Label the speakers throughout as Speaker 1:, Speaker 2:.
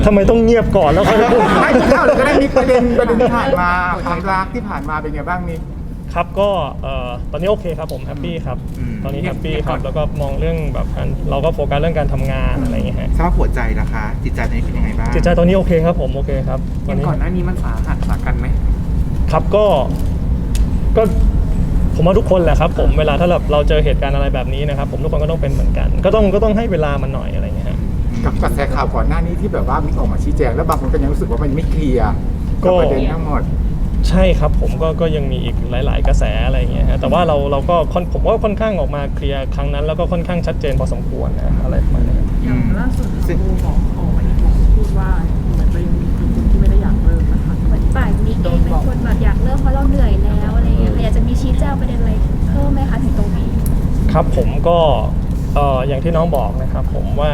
Speaker 1: ทำไมต้องเงียบก่อนแล้วค่อยพูด
Speaker 2: ไม่เล่าเลยก็ได้มีประเด็นที่ผ่านมาความรักที่ผ่านมาเป็นไงบ้างนี่
Speaker 1: ครับก็ตอนนี้โอเคครับผมแฮปปี้ครับตอนนี้แฮปปี้ครับแล้วก็มองเรื่องแบบเราก็โฟกัสเรื่องการทำงานอะไรอย่างเงี้ยฮะ
Speaker 3: สภาพหัวใจล่ะคะจิตใจตอนนี้เป็นยังไงบ้าง
Speaker 1: จิตใจตอนนี้โอเคครับผมโอเคครับตอนนี้
Speaker 4: ก่อนหน้านี้มันสาหัสสากันไหม
Speaker 1: ครับก็ผมว่าทุกคนแหละครับผมเวลาถ้าเราเจอเหตุการณ์อะไรแบบนี้นะครับผมทุกคนก็ต้องเป็นเหมือนกันก็ต้องให้เวลามันหน่อยอะไรอย่างเงี้ยฮะ
Speaker 2: กับกระแสข่าวก่อนหน้านี้ที่แบบว่ามีออกมาชี้แจงแล้วบางคนก็ยังรู้สึกว่ามันไม่เคลียร์กับประเด็นทั้งหมด
Speaker 1: ใช่ครับผมก็ยังมีอีกหลายๆกระแสอะไรอย่างเงี้ยฮะแต่ว่าเราก็ผมว่าค่อนข้างออกมาเคลียร์ครั้งนั้นแล้วก็ค่อนข้างชัดเจนพอสมควรนะอะไรประมาณนี้
Speaker 5: อย่างล่าสุดค่ะบูบอกออกมาอีกบอกพูดว่าเหมือนตัวเองมีคนที่ไม่ได้อยากเลิกนะคะ
Speaker 6: เหมือนฝ่ายมิกเองเป็นคนแบบอยากเลิกเพราะเราเหนื่อยแล้วอะไรอย่างเงี้ยอยากจะมีชี้แจงประเด็นอะไรเพิ่มไหมคะถึงตรงนี้
Speaker 1: ครับผมก็อย่างที่น้องบอกนะครับผมว่า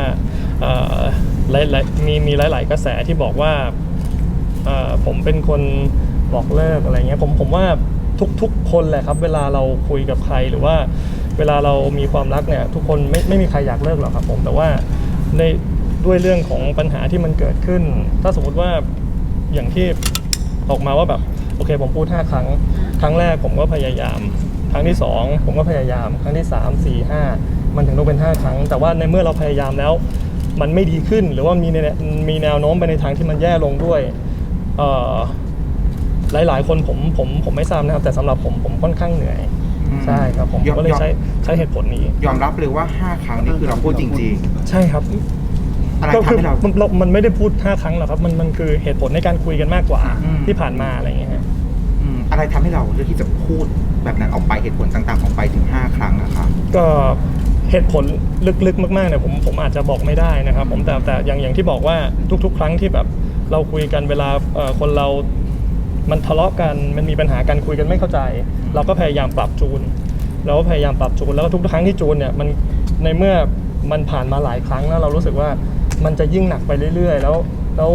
Speaker 1: มีหลายๆกระแสที่บอกว่าผมเป็นคนบอกเลิกอะไรเงี้ยผมว่าทุกคนแหละครับเวลาเราคุยกับใครหรือว่าเวลาเรามีความรักเนี่ยทุกคนไม่มีใครอยากเลิกหรอกครับผมแต่ว่าด้วยเรื่องของปัญหาที่มันเกิดขึ้นถ้าสมมติว่าอย่างที่ออกมาว่าแบบโอเคผมพูด5 ครั้งแรกผมก็พยายามครั้งที่2ผมก็พยายามครั้งที่3 4 5มันถึงต้องเป็น5 ครั้งแต่ว่าในเมื่อเราพยายามแล้วมันไม่ดีขึ้นหรือว่ามีแนวโน้มไปในทางที่มันแย่ลงด้วยหลายคนผมไม่ทราบนะครับแต่สำหรับผมค่อนข้างเหนื่อยใช่ครับผมก็เลยใช้เหตุผลนี้
Speaker 3: ยอมรับเลยว่า5 ครั้งนี่คือเราพูดจริง
Speaker 1: ๆใช่ครับ
Speaker 3: อะไรทำให้เรา
Speaker 1: มันไม่ได้พูด5 ครั้งหรอกครับมันคือเหตุผลในการคุยกันมากกว่าที่ผ่านมาอะไรอย่างเงี้ย
Speaker 3: อะไรทำให้เราเลือกที่จะพูดแบบนั้นออกไปเหตุผลต่างๆออกไปถึง5 ครั้งอะครับ
Speaker 1: ก็เหตุผลลึกๆมากๆเนี่ยผมอาจจะบอกไม่ได้นะครับผมแต่อย่างที่บอกว่าทุกๆครั้งที่แบบเราคุยกันเวลาคนเรามันทะเลาะกันมันมีปัญหากันคุยกันไม่เข้าใจเราก็พยายามปรับจูนแล้วก็ทุกครั้งที่จูนเนี่ยมันในเมื่อมันผ่านมาหลายครั้งแล้วเรารู้สึกว่ามันจะยิ่งหนักไปเรื่อยๆแล้ว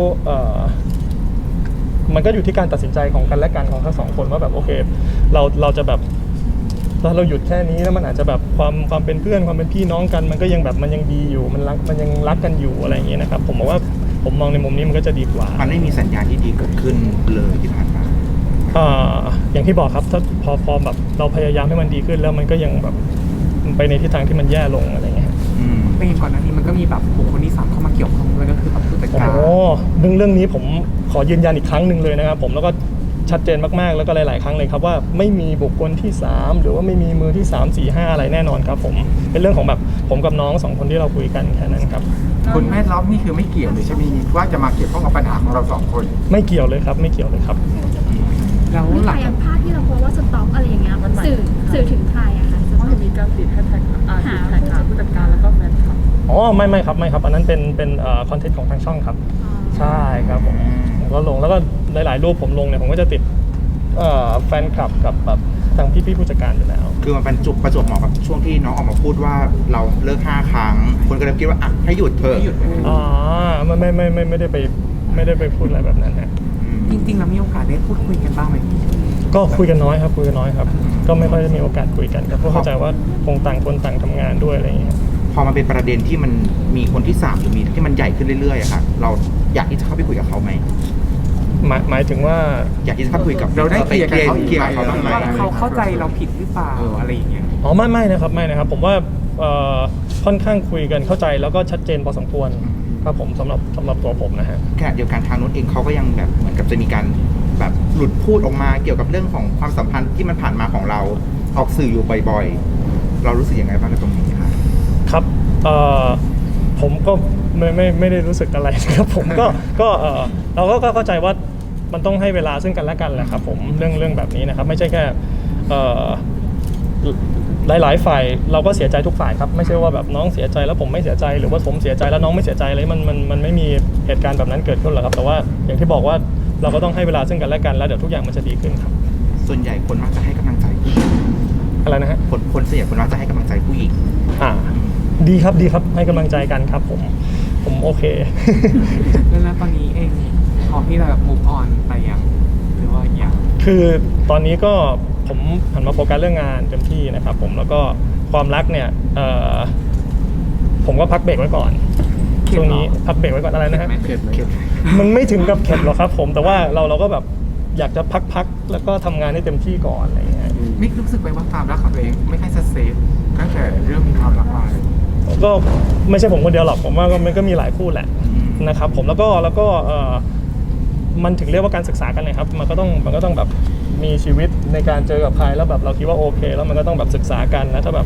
Speaker 1: มันก็อยู่ที่การตัดสินใจของกันและกันของทั้ง2 คนว่าแบบโอเคเราจะแบบเราหยุดแค่นี้แล้วมันอาจจะแบบความเป็นเพื่อนความเป็นพี่น้องกันมันก็ยังแบบมันยังดีอยู่มันยังรักกันอยู่อะไรอย่างเงี้ยนะครับผมบอกว่าผมมองในมุมนี้มันก็จะดีกว่า
Speaker 3: มันไม่มีสัญญาณที่ดีเกิดขึ้นเลยที่ผ่านมา
Speaker 1: อย่างที่บอกครับถ้าพอแบบเราพยายามให้มันดีขึ้นแล้วมันก็ยังแบบไปในทิศทางที่มันแย่ลงอะไรเงี้ย
Speaker 4: ไม่เห็นก่อนหน้านี้มันก็มีแบบบุคคลที่3เข้ามาเกี่ยวข้องด้วยก็คือแบบผู้จัดการ
Speaker 1: เรื่องนี้ผมขอยืนยันอีกครั้งหนึ่งเลยนะครับผมแล้วก็ชัดเจนมากๆแล้วก็หลายๆครั้งเลยครับว่าไม่มีบุคคลที่3หรือว่าไม่มีมือที่3 4 5อะไรแน่นอนครับผมเป็นเรื่องของแบบผมกับน้อง2 คนที่เราคุยกันแค่นั้นครับ
Speaker 2: คุณแม่ล็อกนี่คือไม่เกี่ยวเลยใช่ไหมว่าจะมาเกี่ยวข้องกับปัญหาของเรา2 คน
Speaker 1: ไม่เกี่ยวเลยครับไม่เกี่ยวเลยครับ
Speaker 6: แล้วหลังจากภาพที่เราโพสว่าสต็อกอะไรอย่างเงี้ยสื่อถึงใครอะคะ
Speaker 5: เพราะเห็นมีการติดแฮชแท็กหาผู้จัดการแล้วก็แฟนคลับ
Speaker 1: ไม่ครับอันนั้นเป็นคอนเทนต์ของทางช่องครับใช่ครับผมก็ลงแล้วก็หลายๆรูปผมลงเนี่ยผมก็จะติดแฟนคลับกับแบบทางพี่ผู้จัดการอยู่แล้ว
Speaker 3: คือมันเป็นประจวบเหมาะกับช่วงที่น้องออกมาพูดว่าเราเลิก5 ครั้งคนก็เลยคิดว่าอ่ะให้หยุดเถอะ
Speaker 1: ไม่ได้ไปพูดอะไรแบบนั้นฮะ
Speaker 4: จริงๆแล้วมีโอกาสได้พูดคุยกันบ้างไหม
Speaker 1: ก็คุยกันน้อยครับก็ไม่ค่อยได้มีโอกาสคุยกันเพราะเข้าใจว่าคงต่างคนต่างทำงานด้วยอะไรอย่างเงี้ย
Speaker 3: พอมันเป็นประเด็นที่มันมีคนที่3หรือมีที่มันใหญ่ขึ้นเรื่อยๆอะค่ะเราอยากที่จะเข้าไปคุยกับเขาไหม
Speaker 1: หมายถึงว่า
Speaker 3: อยากที่จะเข้าไปคุยกับ
Speaker 2: เราได้เคลียร์กับเขา
Speaker 3: บ้างไหม
Speaker 4: เขาเข้าใจเราผิดหรือเปล่าอะไรอย่างเงี้ย
Speaker 1: ไม่นะครับผมว่าค่อนข้างคุยกันเข้าใจแล้วก็ชัดเจนพอสมควรครับผมสำหรับตัวผมนะฮะ
Speaker 3: ขณะเดียวกันทางนู้นเองเขาก็ยังแบบเหมือนกับจะมีการแบบหลุดพูดออกมาเกี่ยวกับเรื่องของความสัมพันธ์ที่มันผ่านมาของเราออกสื่ออยู่บ่อยๆเรารู้สึกยังไงบ้างกับตรงนี้
Speaker 1: ครับผมก็ไม่ได้รู้สึกอะไรครับผมก็เราก็เข้าใจว่ามันต้องให้เวลาซึ่งกันและกันแหละครับผมเรื่องแบบนี้นะครับไม่ใช่แค่หลายฝ่ายเราก็เสียใจทุกฝ่ายครับไม่ใช่ว่าแบบน้องเสียใจแล้วผมไม่เสียใจหรือว่าผมเสียใจแล้วน้องไม่เสียใจเลยมันไม่มีเหตุการณ์แบบนั้นเกิดขึ้นหรอกครับแต่ว่าอย่างที่บอกว่าเราก็ต้องให้เวลาซึ่งกันและกันแล้วเดี๋ยวทุกอย่างมันจะดีขึ้นครับ
Speaker 3: ส่วนใหญ่คนมักจะให้กำลังใจผู้หญิง
Speaker 1: อะไรนะฮะ
Speaker 3: คนส่วนใหญ่คนมักจะให้กำลังใจผู้หญิง
Speaker 1: ดีครับให้กำลังใจกันครับผมโอเค
Speaker 4: แล้วตอนนี้เองพอที่เราแบบ move on ไปยังหรือว่าอย่าง
Speaker 1: คือตอนนี้ก็ผมหันมาโฟกัสเรื่องงานเต็มที่นะครับผมแล้วก็ความรักเนี่ยผมก็พักเบรกไว้ก่อนช่วงนี้พักเบรกไว้ก่อนอะไรนะฮะ
Speaker 2: เข็ดไหม
Speaker 1: มันไม่ถึงกับเข็ดหรอกครับผมแต่ว่าเราก็แบบอยากจะพักแล้วก็ทำงานให้เต็มที่ก่อนอะไรอย่างเงี้ย
Speaker 2: มิกรู้สึกไหมว่าความรักของตัวเองไม่ค่อยเซฟตั้งแต่เรื่องมีความรักมา
Speaker 1: ก็ไม่ใช่ผมคนเดียวหรอกผมว่ามันก็มีหลายคู่แหละนะครับผมแล้วก็มันถึงเรียกว่าการศึกษากันเลยครับมันก็ต้องแบบมีชีวิตในการเจอกับใครแล้วแบบเราคิดว่าโอเค แล้วมันก็ต้องแบบศึกษากันนะถ้าแบบ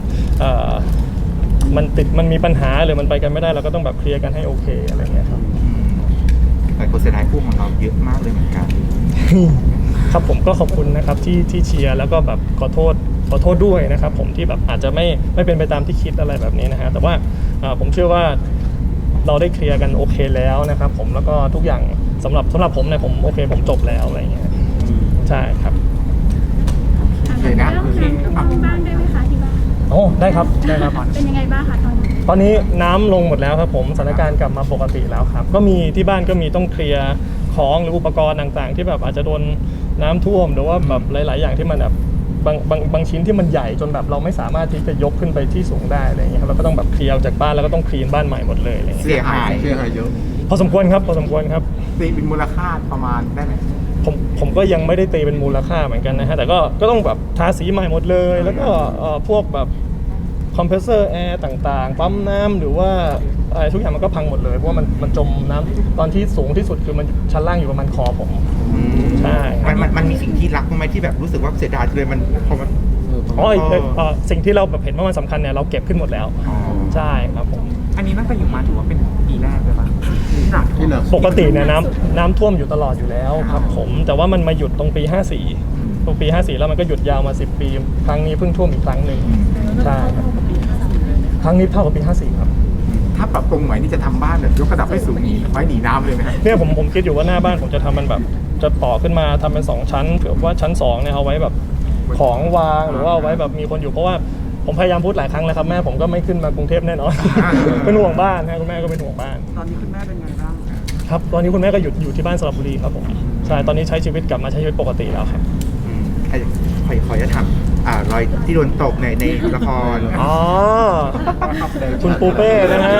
Speaker 1: มันมีปัญหาหรือมันไปกันไม่ได้เราก็ต้องแบบเคลียร์กันให้โอเคอะไรเงี้ยครับ
Speaker 3: แต่คนเสียดายคู่ของเราเยอะมากเลยเหมือนกัน
Speaker 1: ครับผมก็ขอบคุณนะครับที่เชียร์แล้วก็แบบขอโทษด้วยนะครับผมที่แบบอาจจะไม่เป็นไปตามที่คิดอะไรแบบนี้นะฮะแต่ว่าผมเชื่อว่าเราได้เคลียร์กันโอเคแล้วนะครับผมแล้วก็ทุกอย่างสำหรับผมเนี่ยผมโอเคผมจบแล้วอะไรอย่างเงี้ยใช่ครับ
Speaker 2: โอเคนะ
Speaker 6: เรื่องน้ำท่วมบ้างได้ไหมคะที่บ้าน
Speaker 1: โอ้ได้ครับได้ครับ
Speaker 6: เป็นยังไงบ้างคะตอนนี้
Speaker 1: ตอนนี้น้ำลงหมดแล้วครับผมสถานการณ์กลับมาปกติแล้วครับก็มีที่บ้านก็มีต้องเคลียร์ของหรืออุปกรณ์ต่างๆ ที่แบบอาจจะโดนน้ำท่วมหรือว่าแบบหลายๆอย่างที่มันแบบบางชิ้นที่มันใหญ่จนแบบเราไม่สามารถที่จะยกขึ้นไปที่สูงได้อะไรอย่างเงี้ยครับเราก็ต้องแบบเคลียร์ออกจากบ้านแล้วก็ต้องคลีนบ้านใหม่หมดเลยอะไรอย่างเงี้ย
Speaker 3: เสียหาย
Speaker 2: เยอะ
Speaker 1: พอสมควรครับ
Speaker 2: ตีเป็นมูลค่าประมาณได้ไหม
Speaker 1: ผมก็ยังไม่ได้ตีเป็นมูลค่าเหมือนกันนะฮะแต่ก็ต้องแบบทาสีใหม่หมดเลย แล้วก็พวกแบบคอมเพรสเซอร์แอร์ต่างๆปั๊มน้ำหรือว่าอะไรทุกอย่างมันก็พังหมดเลยเพราะว่ามันจมน้ำตอนที่สูงที่สุดคือมันชั้นล่างอยู่ประมาณคอผมใช่
Speaker 3: มันมีสิ่งที่รักบ้างไหมที่แบบรู้สึกว่าเสียดายเลยมันพอมัน
Speaker 1: สิ่งที่เราแบบเห็นว่ามันสำคัญเนี่ยเราเก็บขึ้นหมดแล้วใช่ครับผม
Speaker 4: อันนี้ตั้งแต่อยู่มาถือว่าเป็นปีแรกเลยปะที่หนัก
Speaker 1: ปกติเนี่ยน้ำท่วมอยู่ตลอดอยู่แล้วครับผมแต่ว่ามันมาหยุดตรงปี 54ตรงปี 54 แล้วมันก็หยุดยาวมา10 ปีครั้งนี้เพิ่งท่วมอีกครั้งหนึ่งใช่ครับครั้งนี้เท่ากับปี 54 ครับ
Speaker 2: ถ้าปรับปรุงใหม่นี่จะทำบ้านแบบยกระดับให้สูงไว้หนีน้ำเลยไหมครับ
Speaker 1: เนี่ยผมคิดอยู่ว่าหน้าบ้านผมจะทำมันแบบจะต่อขึ้นมาทำเป็น2ชั้นเผื่อว่าชั้น2เนี่ยเอาไว้แบบของวางหรือว่าเอาไว้แบบมีคนอยู่เพราะว่าผมพยายามพูดหลายครั้งแล้วครับแม่ผมก็ไม่ขึ้นมากรุงเทพแน่นอน เป็นห่วงบ้านนะคุณแม่ก็เป็นห่วงบ้าน
Speaker 5: ตอนนี้คุณแม่เป็นไงบ้าง
Speaker 1: ครับตอนนี้คุณแม่ก็อยู่ที่บ้านสระบุรีครับผมใช่ตอนนี้ใช้ชีวิตกลับมาใช้ชีวิตปกติแล้วครับ
Speaker 3: ขอจะถามรอยที่โดนตกในละคร
Speaker 1: อ๋อคุณปูเป้นะฮะ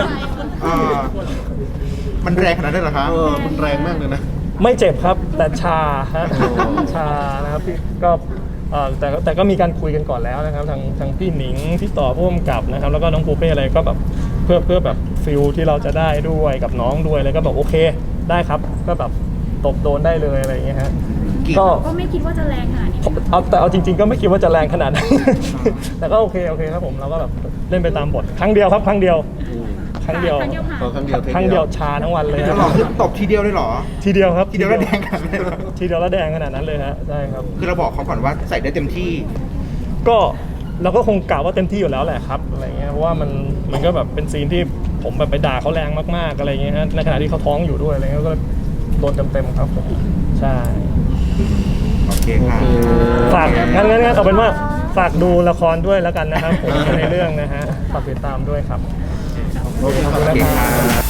Speaker 3: มันแรงขนาดนั้นเหรอครับ
Speaker 2: มันแรงมากเลยนะ
Speaker 1: ไม่เจ็บครับแต่ชาฮะชานะครับพี่ก็แต่ก็มีการคุยกันก่อนแล้วนะครับทางพี่หนิงพี่ต่อผู้กำกับนะครับแล้วก็น้องปูเป้อะไรก็แบบเพื่อแบบฟิลที่เราจะได้ด้วยกับน้องด้วยอะไรก็แบบโอเคได้ครับก็แบบตบโดนได้เลยอะไรอย่างเงี้ยฮะก็
Speaker 6: ก็ไม่คิดว่าจะแรงขนาดนี้
Speaker 1: เอาจริงๆก็ไม่คิดว่าจะแรงขนาดนั้น แต่ก็โอเคครับผมเราก็แบบเล่นไปตามบทครั้งเดียวครับครั้งเดียว
Speaker 6: ผ่าน
Speaker 1: ครั้งเดียวชาทั้งวันเลย
Speaker 3: จะหลอกคือตบทีเดียวเลยเหรอ
Speaker 1: ทีเดียวครับ
Speaker 3: ทีเดียวแล้วแดงขนาดนั้นเลยเหรอ
Speaker 1: ทีเดียวแล้วแดงขนาดนั้นเลยฮะใช่ครับ
Speaker 3: คือเราบอกเขาก่อนว่าใส่ได้เต็มที่
Speaker 1: ก็เราก็คงกล่าวว่าเต็มที่อยู่แล้วแหละครับอะไรเงี้ยเพราะว่ามันก็แบบเป็นซีนที่ผมแบบไปด่าเขาแรงมากๆอะไรเงี้ยฮะในขณะที่เขาท้องอยู่ด้วยอะไรเงี้ยก็โดนเต็มๆครับผมใช่
Speaker 3: โอเคค่ะ
Speaker 1: ฝากงั้นเอาเป็นว่าฝากดูละครด้วยแล้วกันนะครับผมในเรื่องนะฮะฝากติดตามด้วยครับ
Speaker 3: โอเคค่ะ